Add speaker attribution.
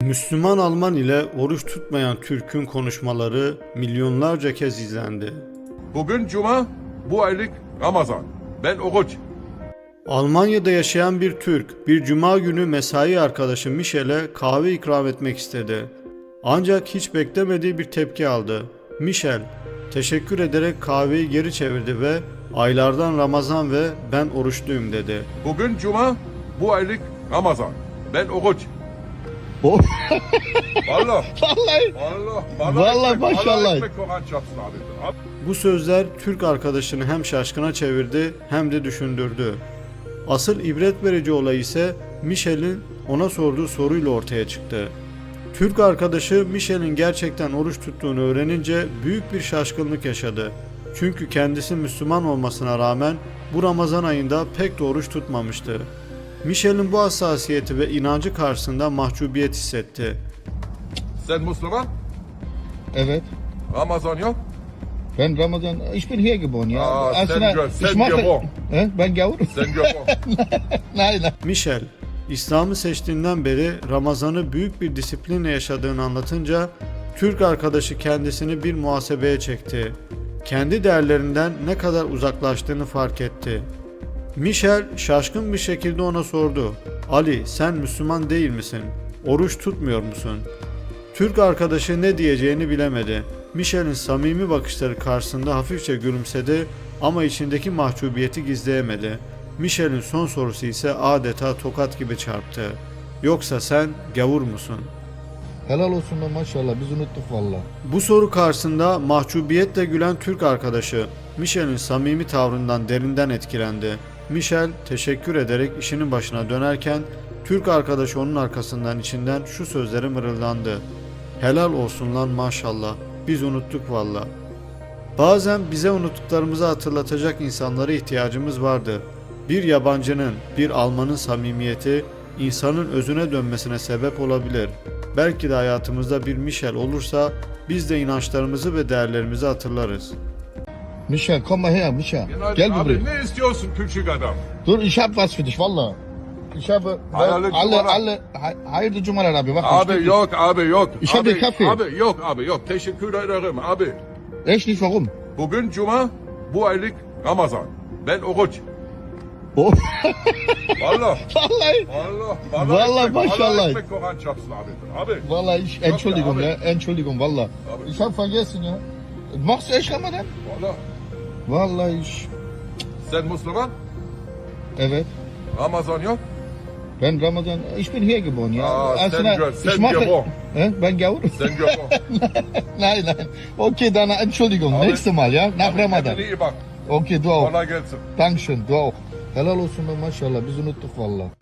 Speaker 1: Müslüman Alman ile oruç tutmayan Türk'ün konuşmaları milyonlarca kez izlendi.
Speaker 2: Bugün Cuma, bu aylık Ramazan. Ben oruç.
Speaker 1: Almanya'da yaşayan bir Türk, bir cuma günü mesai arkadaşı Michel'e kahve ikram etmek istedi. Ancak hiç beklemediği bir tepki aldı. Michel, teşekkür ederek kahveyi geri çevirdi ve aylardan Ramazan ve ben oruçluyum dedi.
Speaker 2: Bugün Cuma, bu aylık Ramazan. Ben oruç.
Speaker 3: Oh.
Speaker 2: Vallahi.
Speaker 3: Vallahi. Vallahi maşallah.
Speaker 2: Allah ekmek Kur'an çarpsın abi.
Speaker 1: Bu sözler Türk arkadaşını hem şaşkına çevirdi hem de düşündürdü. Asıl ibret verici olay ise Michel'in ona sorduğu soruyla ortaya çıktı. Türk arkadaşı Michel'in gerçekten oruç tuttuğunu öğrenince büyük bir şaşkınlık yaşadı. Çünkü kendisi Müslüman olmasına rağmen bu Ramazan ayında pek de oruç tutmamıştı. Michel'in bu hassasiyeti ve inancı karşısında mahcubiyet hissetti.
Speaker 2: Sen Müslüman,
Speaker 3: Evet.
Speaker 2: Ramazan yok.
Speaker 3: Ben Ramazan, ich bin hier geboren, ja.
Speaker 2: Sen geboren.
Speaker 3: Ben gavur.
Speaker 2: Sen geboren.
Speaker 3: Nein.
Speaker 1: Michel, İslam'ı seçtiğinden beri Ramazan'ı büyük bir disiplinle yaşadığını anlatınca Türk arkadaşı kendisini bir muhasebeye çekti. Kendi değerlerinden ne kadar uzaklaştığını fark etti. Michel şaşkın bir şekilde ona sordu. Ali, sen Müslüman değil misin? Oruç tutmuyor musun? Türk arkadaşı ne diyeceğini bilemedi. Michel'in samimi bakışları karşısında hafifçe gülümsedi ama içindeki mahcubiyeti gizleyemedi. Michel'in son sorusu ise adeta tokat gibi çarptı. Yoksa sen gavur musun?
Speaker 3: Helal olsun da maşallah, biz unuttuk valla.
Speaker 1: Bu soru karşısında mahcubiyetle gülen Türk arkadaşı Michel'in samimi tavrından derinden etkilendi. Michel teşekkür ederek işinin başına dönerken Türk arkadaşı onun arkasından içinden şu sözleri mırıldandı. Helal olsun lan maşallah, biz unuttuk valla. Bazen bize unuttuklarımızı hatırlatacak insanlara ihtiyacımız vardı. Bir yabancının, bir Almanın samimiyeti insanın özüne dönmesine sebep olabilir. Belki de hayatımızda bir Michel olursa biz de inançlarımızı ve değerlerimizi hatırlarız.
Speaker 3: Michel, komm mal her, Michel.
Speaker 2: Günaydın
Speaker 3: Gel
Speaker 2: abi,
Speaker 3: buraya.
Speaker 2: ne istiyorsun küçük adam?
Speaker 3: Dur, ich hab was für dich, valla. Ich habe hayırlı cumalar abi. Bak,
Speaker 2: Abi yok, abi yok.
Speaker 3: Ich hab den Kaffee.
Speaker 2: Abi yok, abi yok. Teşekkür ederim abi.
Speaker 3: Echt nicht, warum?
Speaker 2: Bugün Cuma, bu aylık Ramazan. Ben oruç.
Speaker 3: Oh.
Speaker 2: Vallahi.
Speaker 3: Vallahi. Vallahi maşallah.
Speaker 2: Allah ekmek Kur'an çarpsın abi. Abi.
Speaker 3: Vallahi Entschuldigung,
Speaker 2: abi.
Speaker 3: ja. Entschuldigung, valla.
Speaker 2: Abi.
Speaker 3: Ich hab vergessen, ja. Machst du echt Ramadan?
Speaker 2: Vallahi.
Speaker 3: Vallahi ich.
Speaker 2: Sen Müslüman,
Speaker 3: Evet.
Speaker 2: Ramazan yok.
Speaker 3: Ben Ramazan, ich bin hier geboren, ja.
Speaker 2: Sen
Speaker 3: ich mache.
Speaker 2: geboren.
Speaker 3: Ben gavur.
Speaker 2: Sen geboren.
Speaker 3: Nein. Okay, dann Entschuldigung.
Speaker 2: Abi.
Speaker 3: Nächstes Mal, ja? Nach
Speaker 2: Abi,
Speaker 3: Ramadan.
Speaker 2: kendine iyi bak.
Speaker 3: Okay, du auch.
Speaker 2: Kolay gelsin.
Speaker 3: Dankeschön, du auch. Helal olsun da maşallah, biz unuttuk valla.